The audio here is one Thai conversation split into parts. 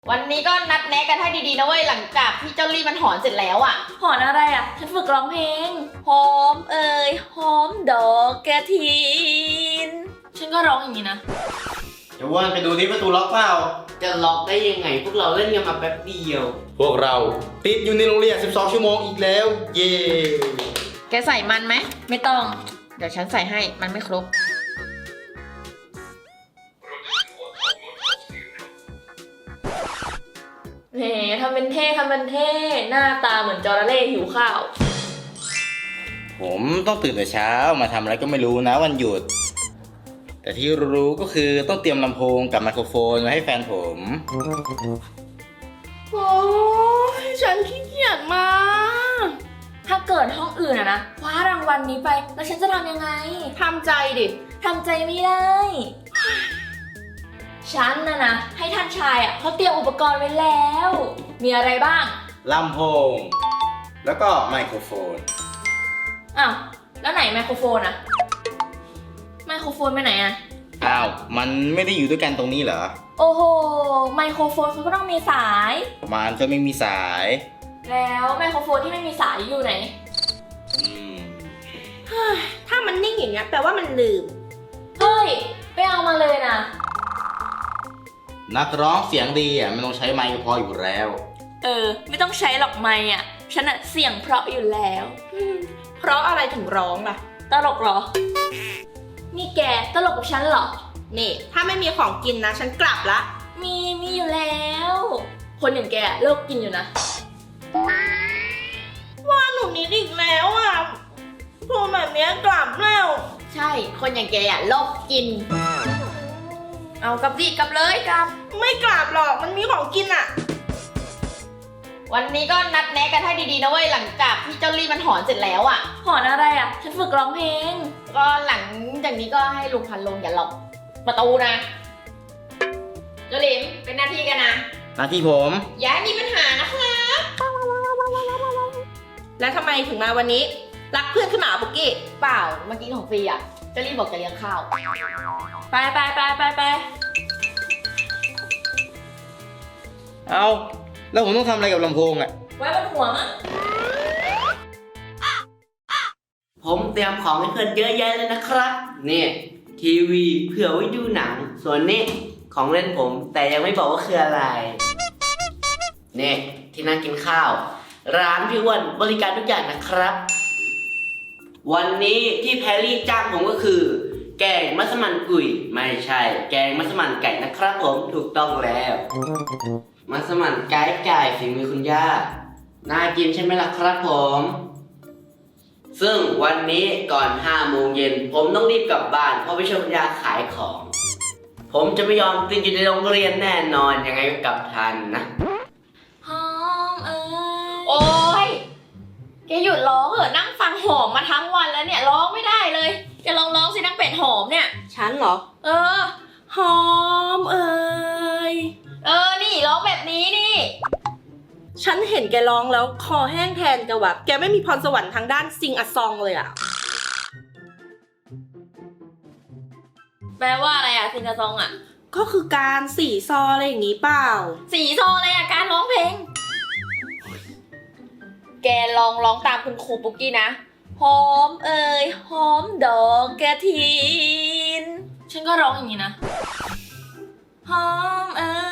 วันนี้ก็นัดแนะกันให้ดีๆนะเว้ยหลังจากที่เจ้าลี่มันหอนเสร็จแล้วอ่ะหอนอะไรอ่ะฉันฝึกร้องเพลงหอมเอ่ยหอมดอกกระถินฉันก็ร้องอย่างนี้นะเดี๋ยวว่านไปดูที่ประตูล็อกเปล่าจะล็อกได้ยังไงพวกเราเล่นกันมาแป๊บเดียวพวกเราติดอยู่ในโรงเรียน12 ชั่วโมงอีกแล้ว เย้แกใส่มันไหมไม่ต้องเดี๋ยวฉันใส่ให้มันไม่ครบแหมทำเป็นเท่หน้าตาเหมือนจระเข้หิวข้าวผมต้องตื่นแต่เช้ามาทำอะไรก็ไม่รู้นะวันหยุด แต่ที่รู้ก็คือต้องเตรียมลำโพงกับไมโครโฟนมาให้แฟนผมโอ้ยฉันขี้เกียจมากถ้าเกิดห้องอื่นอะนะคว้ารางวัลนี้ไปแล้วฉันจะทำยังไงทำใจดิทำใจไม่ได้ฉันนะให้ท่านชายอะเขาเตรียมอุปกรณ์ไว้แล้วมีอะไรบ้างลำโพงแล้วก็ไมโครโฟนอ้าวแล้วไหนไมโครโฟนอะไมโครโฟนไปไหนอะอ้าวมันไม่ได้อยู่ด้วยกันตรงนี้เหรอโอ้โหไมโครโฟนเขาก็ต้องมีสายมันก็ไม่มีสายแล้วไมโครโฟนที่ไม่มีสายอยู่ไหนถ้ามันนิ่งอย่างเงี้ยแปลว่ามันลืมเฮ้ยไปเอามาเลยนะนักร้องเสียงดีอ่ะมันต้องใช้ไมค์พออยู่แล้วไม่ต้องใช้หรอกไมค์อ่ะฉันอะเสียงเพราะอยู่แล้วเพราะอะไรถึงร้องล่ะตลกเหรอนี่แกตลกกับฉันเหรอนี่ถ้าไม่มีของกินนะฉันกลับละมีอยู่แล้วคนอย่างแกเลิกกินอยู่นะว่าหนูนิดอีกแล้วอ่ะพูดแบบนี้กลับแล้วใช่คนอย่างแกอ่ะโลกกินเอากลับดิกลับเลยกลับไม่กลับหรอกมันมีของกินอ่ะวันนี้ก็นัดแนะกันให้ดีๆนะเว้ยหลังจากที่เจ้าลี่มันหอนเสร็จแล้วอ่ะหอนอะไรอ่ะฉันฝึกร้องเพลงก็หลังจากนี้ก็ให้ลุงพันลงอย่าล็อกประตูนะเจ้าลิมเป็นหน้าที่กันนะหน้าที่ผมอย่าให้มีปัญหานะครับแล้วทำไมถึงมาวันนี้รักเพื่อนขึ้นมาปุกกี้เปล่าเมื่อกี้ของฟรีอ่ะเจ้าลี่บอกจะเลี้ยงข้าวไปเอาแล้วผมต้องทำอะไรกับลำโพงอ่ะไว้บนหัวมั้งผมเตรียมของให้เพื่อนเยอะแยะเลยนะครับนี่ทีวีเผื่อไว้ดูหนังส่วนนี้ของเล่นผมแต่ยังไม่บอกว่าคืออะไรนี่ที่นั่งกินข้าวร้านพี่อ้วนบริการทุกอย่างนะครับวันนี้ที่แพรรี่จ้างผมก็คือแกงมัสมั่นกุยไม่ใช่แกงมัสมั่นไก่นะครับผมถูกต้องแล้วมัสมั่นไก่ฝีมือคุณย่าน่ากินใช่ไหมล่ะครับผมซึ่งวันนี้ก่อน5 โมงเย็นผมต้องรีบกลับบ้านเพราะไปช่วยคุณย่าขายของผมจะไม่ยอมติดอยู่ในโรงเรียนแน่นอนยังไงก็กลับทันนะหอมโอ๊ยแกหยุดร้องเถอะนั่งฟังหอมมาทั้งวันแล้วเนี่ยร้องไม่ได้เลยแกลองร้องสินักเป็ดหอมเนี่ยฉันเหรอหอมนี่ร้องแบบนี้นี่ฉันเห็นแกร้องแล้วคอแห้งแทนแกว่ะแกไม่มีพรสวรรค์ทางด้านซิงอะซองเลยอะแปลว่าอะไรอะซิงอะซองอะก็คือการสี่ซออะไรอย่างนี้เปล่าสี่ซออะไรอะการร้องเพลงแกลองร้องตามคุณครูปุ๊กกี้นะหอมหอมดอกกระถินฉันก็ร้องอย่างนี้นะหอม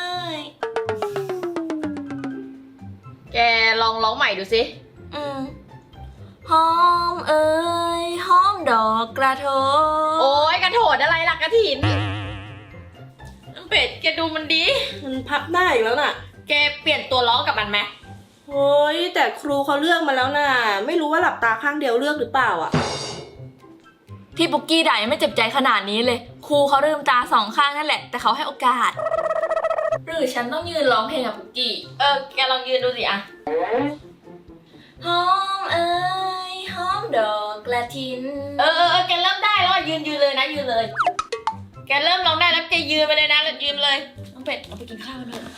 แกลองร้องใหม่ดูสิหอมหอมดอกกระโถนโอ้ยกระโถนอะไรล่ะกระถินเป็ดแกดูมันดีมันพับได้อีกแล้วน่ะแกเปลี่ยนตัวร้องกับมันไหมโอ้ยแต่ครูเขาเลือกมาแล้วน่ะไม่รู้ว่าหลับตาข้างเดียวเลือกหรือเปล่าอ่ะที่ปุกกี้ด่ายังไม่เจ็บใจขนาดนี้เลยครูเขาลืมตา2 ข้างนั่นแหละแต่เขาให้โอกาสหรือฉันต้องยืนร้องเพลงกับปุกกี้แกลองยืนดูสิอะหอมหอมดอกกระถินแกเริ่มได้แล้วยืนเลยนะยืนเลยแกเริ่มร้องได้แล้วแกยืนไปเลยนะแล้วยืนเลยน้องเป็ดเอาไปกินข้าวกันเถอะ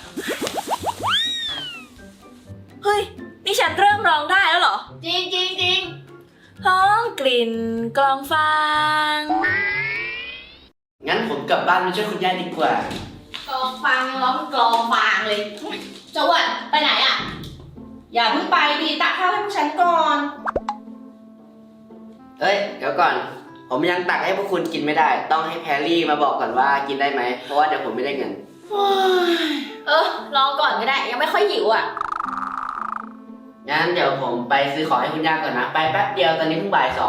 เฮ้ยนี่ฉันเริ่มร้องได้แล้วเหรอจริงหอมกลิ่นกลองฟางงั้นผมกลับบ้านไปช่วยคุณย่าดีกว่ากองฟฟังร้องกลองฟางเลยเจ้าอ้วนไปไหนอ่ะอย่าเพิ่งไปดีตักข้าวให้พวกฉันก่อนเอ้ย เดี๋ยวก่อน ผมยังตักให้พวกคุณกินไม่ได้ ต้องให้แพรรี่มาบอกก่อนว่ากินได้ไหม เพราะว่าเดี๋ยวผมไม่ได้เงินรอก่อนก็ได้ยังไม่ค่อยหิวอ่ะงั้นเดี๋ยวผมไปซื้อของให้คุณย่าก่อนนะ ไปแป๊บเดียวตอนนี้เพิ่งบ่ายสอง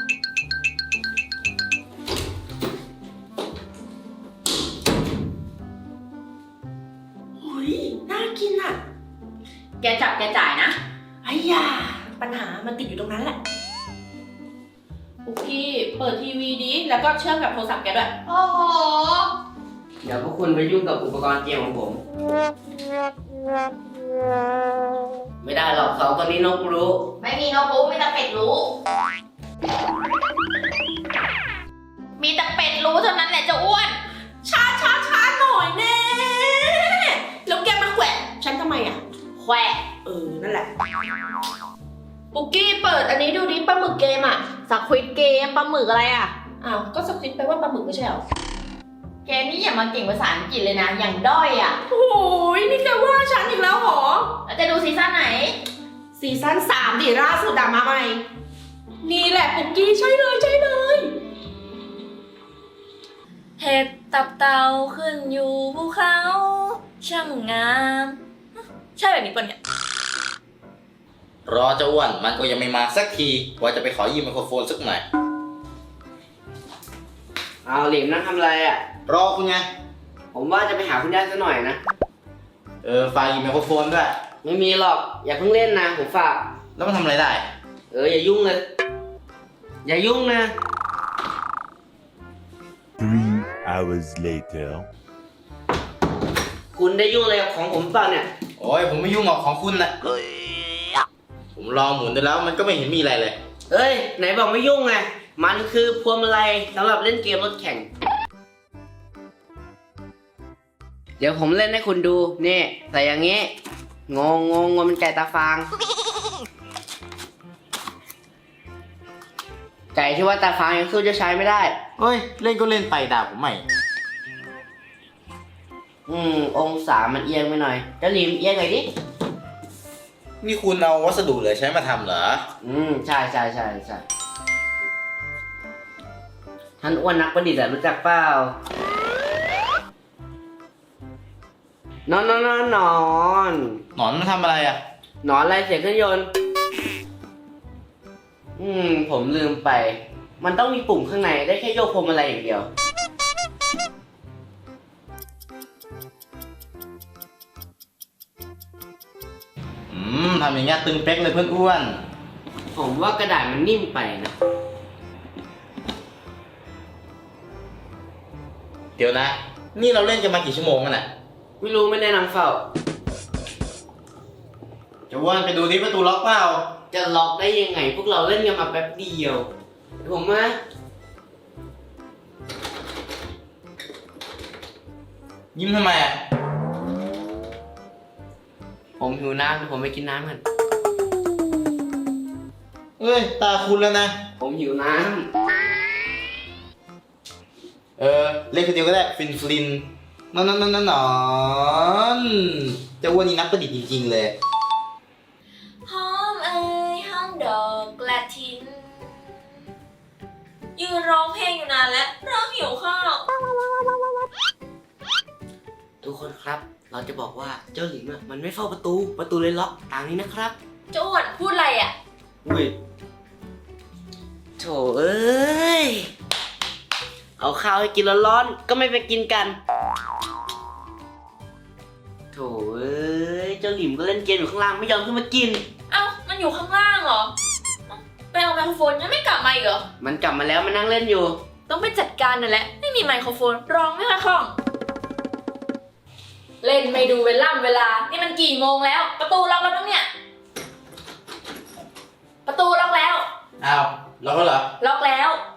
เฮ้ย น่ากินอ่ะแกจับแกจ่ายนะไอ้ยาปัญหามันติดอยู่ตรงนั้นแหละปุกกี้เปิดทีวีดิแล้วก็เชื่อมกับโทรศัพท์แกด้วยโอ้โหเดี๋ยวพวกคุณไปยุ่งกับอุปกรณ์เกมของผม ไม่ได้หรอกสองตัวนี้นกรู้ไม่มีนกรู้มีแต่เป็ดรู้ มีแต่เป็ดรู้เท่านั้นแหละเจะอ้วนช้าหน่อยแน่แล้วแกมาแขวะฉันทำไมอ่ะแขวะนั่นแหละปุกกี้เปิดอันนี้ดูดิปลาหมึกเกมอ่ะสควิดเกมปลาหมึกอะไรอ่ะอ้าว ก็สคริปต์แปลว่าปลาหมึกไม่ใช่เหรอแกนี่อย่ามาเก่งภาษาอังกฤษเลยนะ อย่างด้อยอ่ะโอ้ยนี่แกว่าฉันอีกแล้วเหรอแล้วจะดูซีซั่นไหนซีซั่น3ดิล่าสุดอะมาใหม่ นี่แหละปุกกี้ใช่เลยเห็ดตับเต่าขึ้นอยู่ภูเขาช่างงาม ใช่แบบนี้ปะเนี่ยรอเจ้าอ้วนมันก็ยังไม่มาสักทีว่าจะไปขอยืมไมโครโฟนสักหน่อยเอาหลิมนั่งทำอะไรอ่ะรอคุณไงผมว่าจะไปหาคุณย่าซะหน่อยนะฝากยืมไมโครโฟนด้วยไม่มีหรอก อย่าเพิ่งเล่นนะ ผมฝากแล้วมันทำอะไรได้อย่ายุ่งเลย อย่ายุ่งนะ 3 hours later. คุณได้ยุ่งอะไรกับของผมเปล่าเนี่ยโอ้ยผมไม่ยุ่งหรอกของคุณนะผมลองหมุนดูแล้วมันก็ไม่เห็นมีอะไรเลยเอ้ย ไหนบอกไม่ยุ่งไง มันคือพวงมาลัยสำหรับเล่นเกมรถแข่ง เดี๋ยวผมเล่นให้คุณดู นี่ใส่อย่างงี้ งมันไก่ตาฟาง ไก่ที่ว่าตาฟางยังสู้เจะใช้ไม่ได้เฮ้ย เล่นก็เล่นไปด่าผมใหม่องศามันเอียงไปหน่อยเจ้าลิมเอียงหน่อยดินี่คุณเอาวัสดุเหลือใช้มาทำเหรอใช่ท่านอ้วนนักประดิษฐ์อะรู้จักเปล่า นอนหนอนมันทำอะไรอ่ะหนอนอะไรเสียงเครื่องยนต์ ผมลืมไป มันต้องมีปุ่มข้างในได้แค่โยกพวงมาลัยอย่างเดียวทำอย่างเงี้ยตึงเป๊กเลยเพื่อนอ้วนผมว่ากระดาษมันนิ่มไปนะเดี๋ยวนะ นี่เราเล่นกันมากี่ชั่วโมงกันน่ะไม่ได้นั่งเฝ้าจะอ้วนไปดูที่ประตูล็อกเปล่าจะล็อกได้ยังไง พวกเราเล่นกันมาแป๊บเดียวเดี๋ยวผมมายิ้มทำไมอ่ะผมหิวน้ำเดี๋ยวผมไปกินน้ำกันเอ้ย ตาคุณแล้วนะผมหิวน้เล่นคนเดียวก็ได้ฟินนอนจะอ้วนนี่นักประดิษฐ์จริงๆเลยหอมเอ่ยหอมดอกกระถิน ยืนร้องเพลงอยู่นานแล้วเริ่มหิวข้าวำทุกคนครับ เราจะบอกว่าเจ้าหลิมมันไม่เฝ้าประตูเลยล็อกตามนี้นะครับเจ้าอ้วนพูดอะไรอ่ะอุ้ยโถเอ้ย เอาข้าวให้กินร้อนๆก็ไม่ไปกินกัน โถเอ้ย เจ้าหลิมก็เล่นเกมอยู่ข้างล่างไม่ยอมขึ้นมากินเอ้ามันอยู่ข้างล่างเหรอเอ้าไปเอาไมโครโฟนยังไม่กลับมาอีกเหรอมันกลับมาแล้วมันนั่งเล่นอยู่ต้องไปจัดการนั่นแหละไม่มีไมโครโฟนร้องไม่ค่อยคล่อง เล่นไม่ดูเวลา นี่มันกี่โมงแล้ว ประตูล็อกแล้วมั้งเนี่ย ประตูล็อกแล้วอ้าวล็อกแล้วเหรอล็อกแล้ว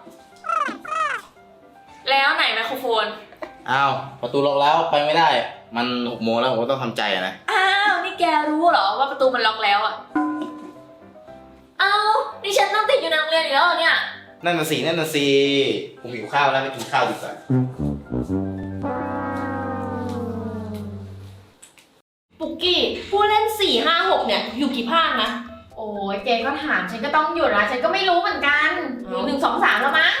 แล้วไหนไมโครโฟนอ้าวประตูล็อกแล้วไปไม่ได้ มัน6 โมงแล้วผมก็ต้องทำใจอะนะอ้าว นี่แกรู้เหรอว่าประตูมันล็อกแล้วอ่ะ อ้าว นี่ฉันต้องติดอยู่ในโรงเรียนอีกแล้วเหรอเนี่ยนั่นน่ะสิผมหิวข้าวแล้วไปกินข้าวดีกว่ากี้ผู้เล่น 4 5 6 เนี่ย อยู่กี่ภาคนะโอ้ยเจก็ถามฉันก็ต้องหยุดนะฉันก็ไม่รู้เหมือนกันอยู่1 2 3แล้วมั้ง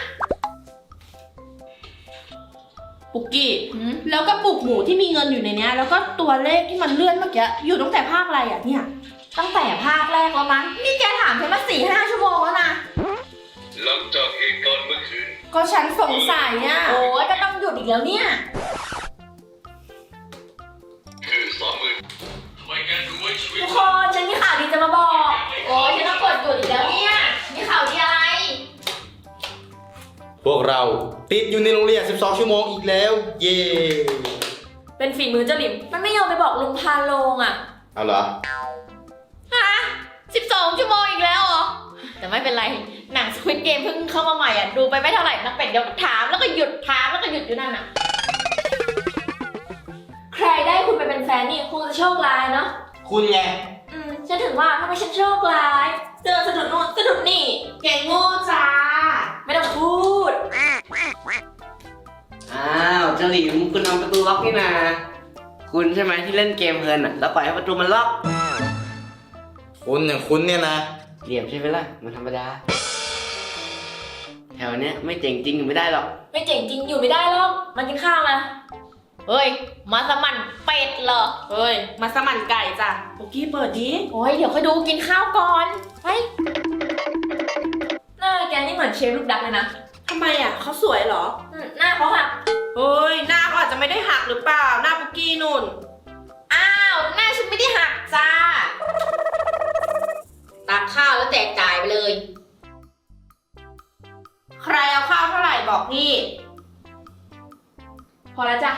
ปุกกี้ แล้วก็ปุกหมูที่มีเงินอยู่ในเนี้ย แล้วก็ตัวเลขที่มันเลื่อนเมื่อกี้ อยู่ตั้งแต่ภาคอะไรอ่ะเนี่ยตั้งแต่ภาคแรกแล้วมั้งนี่แกถามฉันมา4-5 ชั่วโมงแล้วนะหลังจากเหตุการณ์เมื่อคืนก็ฉันสงสัยอ่ะโอ้ยก็ต้องหยุดอีกแล้วเนี่ยคือ30,000ทำไมแกถึงไว้ชีวิตทุกคนฉันมีข่าวดีจะมาบอก โอ้ยฉันต้องกดหยุดอีกแล้วเนี่ยมีข่าวดีอะไรพวกเราติดอยู่ในโรงเรียน 12 ชั่วโมงอีกแล้ว เย้เป็นฝีมือเจ้าหลิมมันไม่ยอมไปบอกลุงพาโลงอ่ะเอาเหรอฮะ12 ชั่วโมงอีกแล้วเหรอ แต่ไม่เป็นไร หนัง Squid Game เพิ่งเข้ามาใหม่อ่ะ ดูไปไม่เท่าไหร่นักเป็ดเดี๋ยวถามแล้วก็หยุดถามแล้วก็หยุดอยู่นั่นอ่ะ ใครได้คุณไปเป็นแฟนนี่คงจะโชคร้ายเนาะคุณไงฉันถึงว่าทำไมฉันโชคร้าย เจอสะดุดนู่นสะดุดนี่เก่งโง่จ้าไม่ต้องพูดอ้าวเจ้าหลิมคุณเอาประตูล็อกนี่นาคุณใช่ไหมที่เล่นเกมเพลินอ่ะ แล้วปล่อยให้ประตูมันล็อกคุณอย่างคุณเนี่ยนะเหลี่ยมใช่ไหมล่ะ มันธรรมดา แถวเนี้ยไม่เจ๋งจริงอยู่ไม่ได้หรอกไม่เจ๋งจริงอยู่ไม่ได้หรอกมากินข้าวมาเฮ้ย มาสมั่นเป็ดเหรอเฮ้ย มาสมั่นไก่จ้ะปุกกี้เปิดดิโอ้ยเดี๋ยวค่อยดูกินข้าวก่อนไปหน้าแกนี่เหมือนเชฟลูกดักเลยนะทำไมอ่ะเขาสวยเหรอหน้าเขาหักเฮ้ย หน้าเขาอาจจะไม่ได้หักหรือเปล่า หน้าปุกกี้นุ่นอ้าว หน้าฉันไม่ได้หักจ้า ตักข้าวแล้วแจกจ่ายไปเลยใครเอาข้าวเท่าไหร่บอกพี่พอแล้วจ้ะ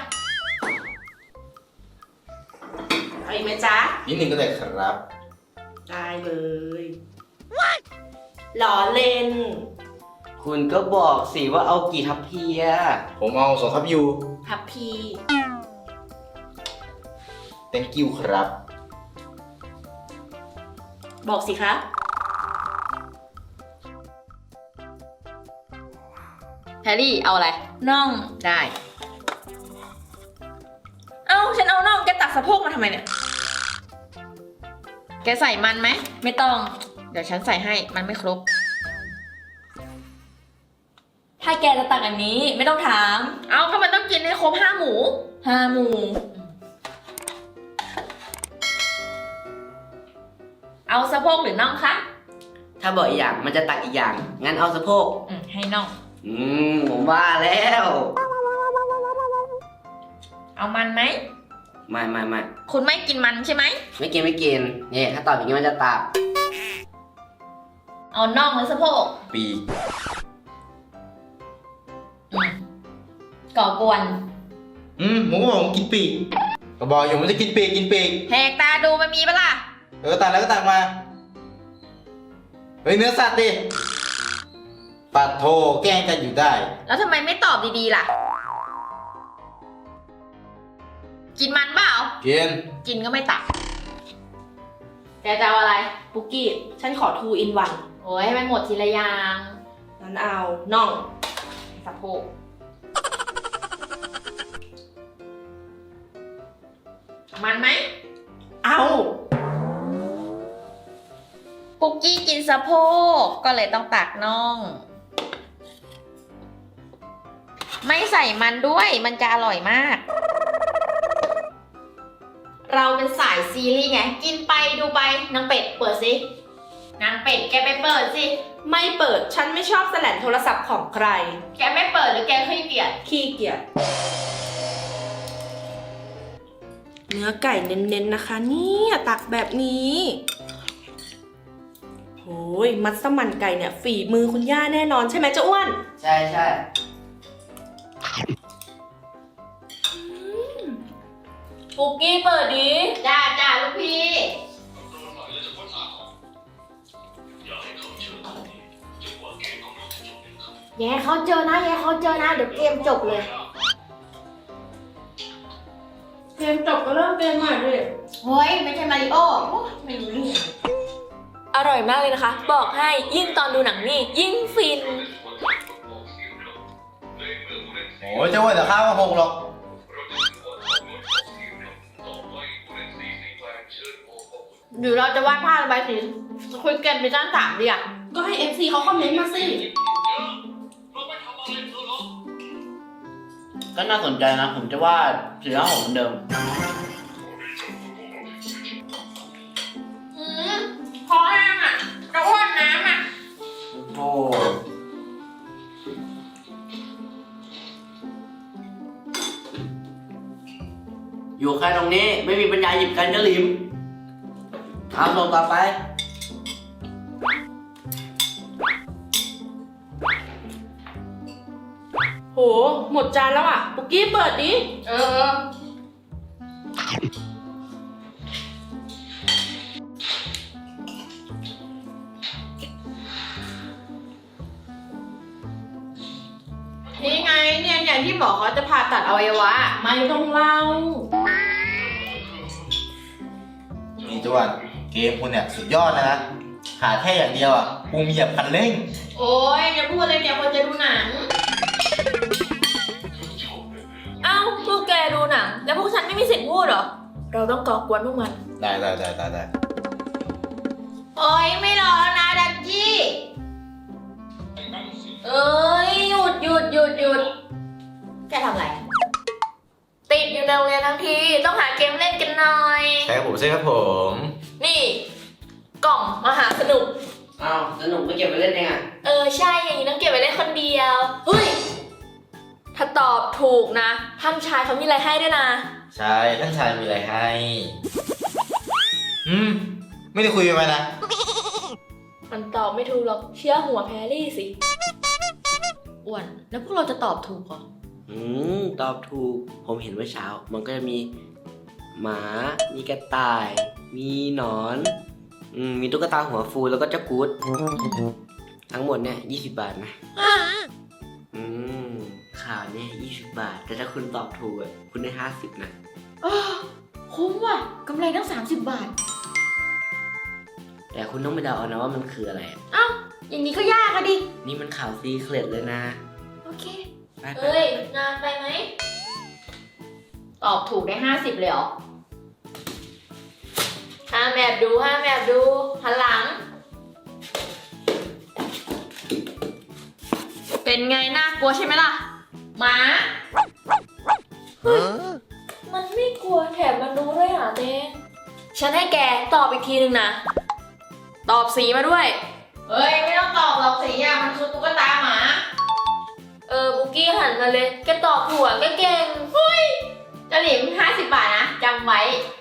เอาอีกไหมจ๊ะนิดนึงก็ได้ครับได้เลยหล่อเล่นคุณก็บอกสิว่าเอากี่ทัพเพียผมเอา2 ทับยูทับพี thank you ครับบอกสิคะแพรรี่เอาอะไร น่องได้เอ้า ฉันเอาน่องแกตักสะโพกมาทำไมเนี่ยแกใส่มันไหมไม่ต้องเดี๋ยวฉันใส่ให้ มันไม่ครบถ้าแกจะตักอันนี้ไม่ต้องถามเอาก็มันต้องกินให้ครบ5 หมู 5 หมู่เอาสะโพกหรือน่องคะถ้าบอกอีกอย่างมันจะตักอีกอย่าง งั้นเอาสะโพกให้น่องผมว่าแล้วเอามันไหมไม่คุณไม่กินมันใช่ไหมไม่กินนี่ถ้าตอบอย่างนี้มันจะตับเอาน่องหรือสะโพกปีกก่อกวนผมก็บอกผมกินปีกก็บอกอยู่มันจะกินปีกแหกตาดูมันมีปะล่ะตัดแล้วก็ตัดมา เฮ้ย เนื้อสัตว์ดิปัดโทแกล้งกันอยู่ได้แล้วทำไมไม่ตอบดีๆล่ะ กินมันเปล่ากินกินก็ไม่ตัก แกจะเอาอะไรปุกกี้ ฉันขอ 2 in 1 โอ้ยให้มันหมดทีละอย่างนั้นเอาน่องสะโพก มันไหมเอาปุกกี้กินสะโพกก็เลยต้องตักน่อง ไม่ใส่มันด้วยมันจะอร่อยมาก เราเป็นสายซีรีส์ไง กินไปดูไปนางเป็ดเปิดสินางเป็ดแกไปเปิดสิไม่เปิด ฉันไม่ชอบแสลนโทรศัพท์ของใครแกไม่เปิดหรือแกขี้เกียจขี้เกียจ เนื้อไก่เน้นๆนะคะเนี่ยตักแบบนี้โอ้ยมัสมั่นไก่เนี่ยฝีมือคุณย่าแน่นอนใช่ไหมเจ้าอ้วนใช่ปุกกี้เปิดดิจ้าลูกพี่ แย่เขาเจอนะ เดี๋ยวเกมจบเลยเกมจบก็เริ่มเกมใหม่เลยเฮ้ย ไม่ใช่มาริโอ้ไม่รู้เรื่องอร่อยมากเลยนะคะ บอกให้ยิ่งตอนดูหนังนี่ ยิ่งฟินโอ้ยเจ้าว่าแต่ข้าวก็หกหรอกหรือเราจะวาดภาพระบายสีคุยกันไปด้านสามดีอ่ะก็ให้ FC เขาคอมเมนต์มาสิก็น่าสนใจนะ ผมจะวาดสีหน้าผมเหมือนเดิมพอแห้งอ่ะจะอ้วนน้ำอ่ะโอ้อยู่แค่ตรงนี้ไม่มีปัญญาหยิบกันจะหลิมเอาส่งต่อไปโห หมดจานแล้วอ่ะ ปุกกี้เปิดดิเออ นี่ไงเนี่ยอย่างที่บอกเขาจะผ่าตัดอวัยวะไม่ต้องเล่านี่จวนเกมคุณเนี่ยสุดยอดนะ ขาดแค่อย่างเดียวอ่ะปุ่มเหยียบคันเร่งโอ้ยอย่าพูดเลยเนี่ยคนจะดูหนังเอ้าพวกแกดูหนัง แล้วพวกฉันไม่มีสิทธิ์พูดเหรอ เราต้องก่อกวนพวกมันได้โอ้ยไม่รอแล้วนะดักกี้เอ้ยหยุดแกทำอะไรติดอยู่ในโรงเรียนทั้งที ต้องหาเกมเล่นกันหน่อยใช่ผมใช่ครับผมนี่ กล่องมหาสนุกเอาสนุกไม่เก็บไปเล่นเองอ่ะใช่อย่างนี้ต้องเก็บไว้เล่นคนเดียว เฮ้ย ถ้าตอบถูกนะท่านชายเขามีอะไรให้ด้วยนะใช่ท่านชายมีอะไรให้ ไม่ได้คุยกันมานะมันตอบไม่ถูกหรอก เชื่อหัวแพรรี่สิอ้วน แล้วพวกเราจะตอบถูกเหรอตอบถูก ผมเห็นเมื่อเช้า มันก็จะมีหมา มีกระต่าย มีหนอน มีตุ๊กตาหัวฟูแล้วก็เจ้ากู๊ดทั้งหมดเนี่ย20 บาทนะ ข่าวเนี่ย20 บาท แต่ถ้าคุณตอบถูกอะคุณได้50นะคุ้มว่ะกำไรตั้ง30 บาทแต่คุณต้องไปเดาเอานะว่ามันคืออะไรอะอย่างนี้ก็ยากอะดินี่มันข่าวซีเคร็ตเลยนะโอเคไปเฮ้ย นานไปไหมตอบถูกได้50เลยเหรอห้ามแอบดูหันหลัง เป็นไงน่ากลัวใช่ไหมล่ะหมามันไม่กลัวแถมมันรู้ด้วยอ่ะเต้ฉันให้แกตอบอีกทีนึงนะ ตอบสีมาด้วยเฮ้ย ไม่ต้องตอบหรอกสิอะมันคือตุ๊กตาหมาบุกกี้หันมาเลย แกตอบถูกอะแกเก่งจะหลิม50 บาทนะจำไว้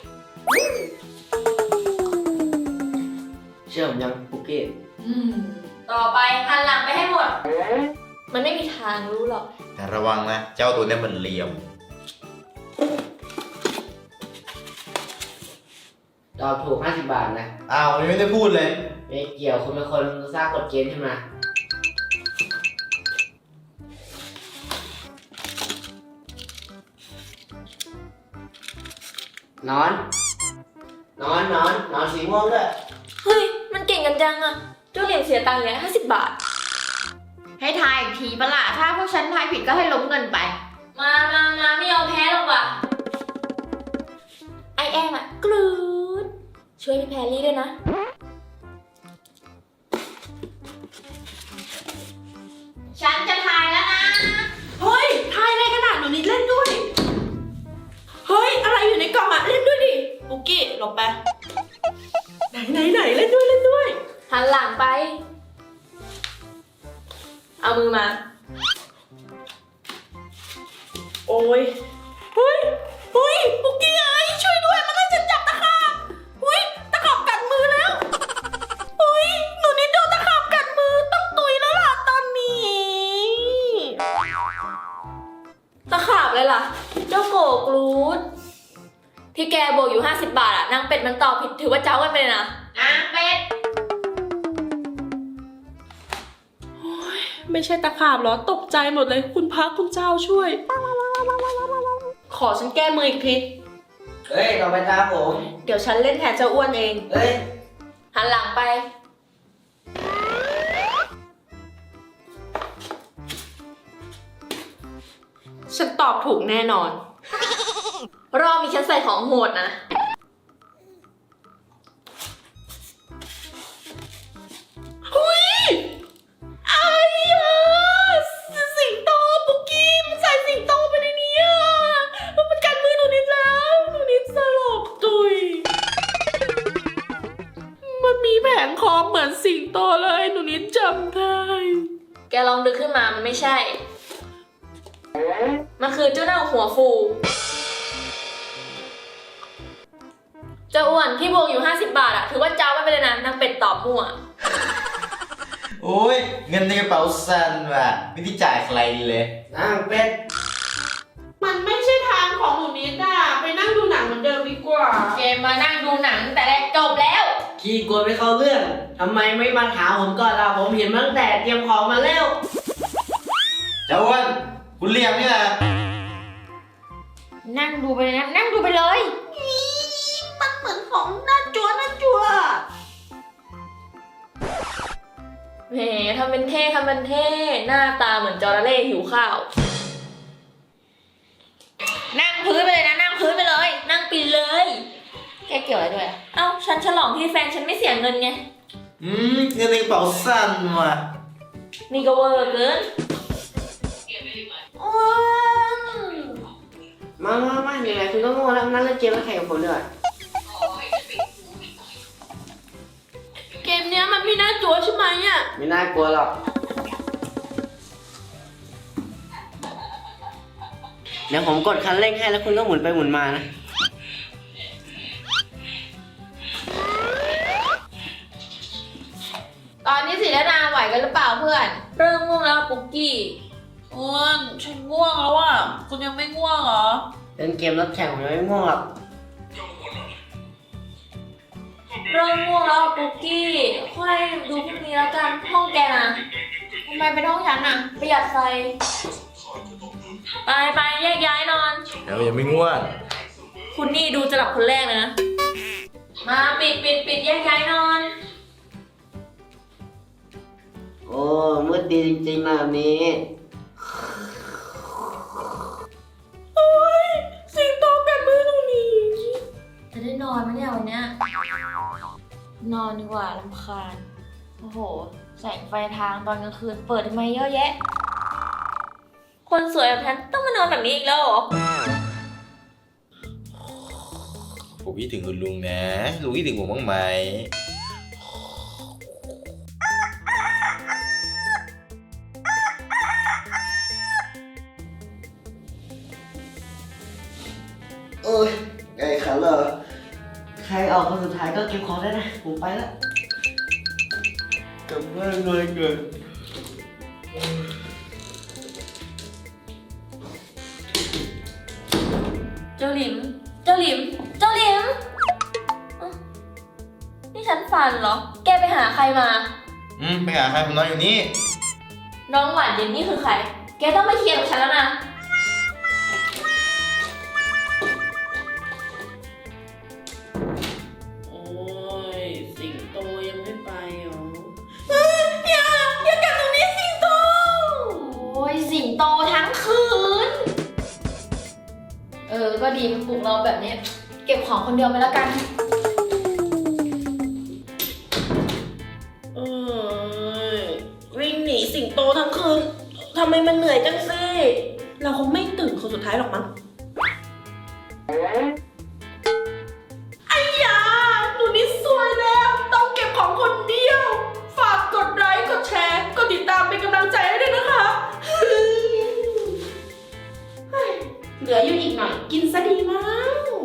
เชื่อผมยังปุกกี้ต่อไปหันหลังไปให้หมด มันไม่มีทางรู้หรอกแต่ระวังนะ เจ้าตัวเนี้มันเหลี่ยมตอบถูก50 บาทนะอ้าวยังไม่ได้พูดเลยไม่เกี่ยวคุณเป็นคนสร้างกฎเกณฑ์ขึ้นมา นอนสีม่วงด้วยเฮ้ย มันเก่งกันจังอะเจ้าเหรียญเสียตังค์แล้ว50 บาทให้ทายอีกทีปะล่ะถ้าพวกฉันทายผิดก็ให้ล้มเงินไปมาไม่ยอมแพ้หรอกว่ะ ไอแอมอะกรูดช่วยพี่แพรรี่ด้วยนะฉันจะทายแล้วนะเฮ้ยทายอะไรขนาดหนูนิดเล่นด้วย เฮ้ย อะไรอยู่ในกล่องอะเล่นด้วยดิ ปุกกี้หลบไป ไหนเล่นด้วยหันหลังไป เอามือมาโอ้ยเฮ้ยปุกกี้เอ้ยช่วยด้วย มันให้ฉันจับตะขาบตะขาบกัดมือแล้วหนูนิดโดนตะขาบกัดมือ ต้องตุยแล้วล่ะตอนนี้ตะขาบเลยล่ะ เจ้าโกกรูดที่แกบวกอยู่50 บาทอะนางเป็ดมันตอบผิดถือว่าเจ้ากันไปเลยนะเป็ดไม่ใช่ตะขาบเหรอ ตกใจหมดเลย คุณพระคุณเจ้าช่วย ขอฉันแก้มืออีกทีเฮ้ย ต่อไปตามผมเดี๋ยวฉันเล่นแทนเจ้าอ้วนเองเฮ้ยหันหลังไปฉันตอบถูกแน่นอนรอบนี้ฉันใส่ของโหดนะเหมือนสิงโตเลยหนูนิดจำได้แกลองดึกขึ้นมามันไม่ใช่ มันคือเจ้าเน่าหัวฟู เจ้าอ้วนที่บวกอยู่50 บาทอะถือว่าเจ้าไม่ไปเลยนะนางเป็ดตอบมั่วโอ้ยเงินในกระเป๋าสั่นว่ะไม่ได้จ่ายใครเลยนั่งเป็ดมันไม่ใช่ทางของหนูนิดอะไปนั่งดูหนังเหมือนเดิมดีกว่าเกมมานั่งดูหนังแต่แรกจบแล้วขี้กลัวไม่เข้าเรื่องทำไมไม่มาถามผมก่อนล่ะผมเห็นมาตั้งแต่เตรียมของมาแล้วเจ้าอ้วนคุณเรียมนี่นะนั่งดูไปเลยนะ นั่งดูไปเลยมันเหมือนของน่าจัวแหมทำเป็นเท่ทำเป็นเท่หน้าตาเหมือนจระเข้หิวข้าวนั่งพื้นไปเลยนะ นั่งพื้นไปเลยนั่งปีเลยแกเกี่ยวอะไรด้วยอะเอ้าฉันฉลองที่แฟนฉันไม่เสียเงินไงเงินในกระเป๋าสั่นว่ะนี่ก็เวอร์เกินมาไหนๆคุณก็โง่แล้วมานั่งเล่นเกมแล้วแข่งกับผมด้วยเกมเนี้ยมันไม่น่าจัวใช่ไหมอะไม่น่ากลัวหรอก เดี๋ยวผมกดคันเร่งให้แล้วคุณก็หมุนไปหมุนมานะตอนนี้ศิรนาไหวกันหรือเปล่าเพื่อนเริ่มง่วงแล้วปุกกี้อ้วนฉันง่วงแล้วอะคุณยังไม่ง่วงเหรอเล่นเกมรับแข่งผมยังไม่ง่วงหรอกเริ่มง่วงแล้วปุกกี้ค่อยดูพรุ่งนี้แล้วกันห้องแกนะทำไมเป็นห้องฉันอะประหยัดไฟ ไปแยกย้ายนอนแล้วยังไม่ง่วงคุณนี่ดูจะหลับคนแรกเลยนะ มาปิดแยกย้ายนอนโอ้มืดดีจริงๆนะแบบนี้สิงโตกัดมือหนูนิดจะได้นอนไหมเนี่ยวันเนี้ย นอนดีกว่าลำคาญ โอ้โห แสงไฟทางตอนกลางคืนเปิดทำไมเยอะแยะ คนสวยแบบฉันต้องมานอนแบบนี้อีกแล้วเหรอผมคิดถึงคุณลุงนะ ลุงคิดถึงผมบ้างไหมโอ้ยไอ้ขันเหรอใครออกคนสุดท้ายก็เก็บของได้นะ ผมไปละกลับบ้านเลยเกินเจ้าหลิมเอ้านี่ฉันฝันเหรอ แกไปหาใครมาไปหาใครผมนอนอยู่นี่น้องหวานเย็นนี่คือใคร แกต้องมาเคลียร์กับฉันแล้วนะโอ้ยสิงโตยังไม่ไปเหรออย่ากัดตรงนี้สิงโต โอ้ยสิงโตทั้งคืนก็ดีมันปลุกเราแบบนี้ เก็บของคนเดียวไปแล้วกันเอ้ยวิ่งหนีสิงโตทั้งคืนทำไมมันเหนื่อยจังสิเราคงไม่ตื่นคนสุดท้ายหรอกมั้งไอ้ยาหนูนิดสวยแล้ว ต้องเก็บของคนเดียว ฝากกดไลค์กดแชร์กดติดตามเป็นกำลังใจให้ด้วยนะคะเฮ้ยเหลืออยู่อีกหน่อยกินซะดีมั้ง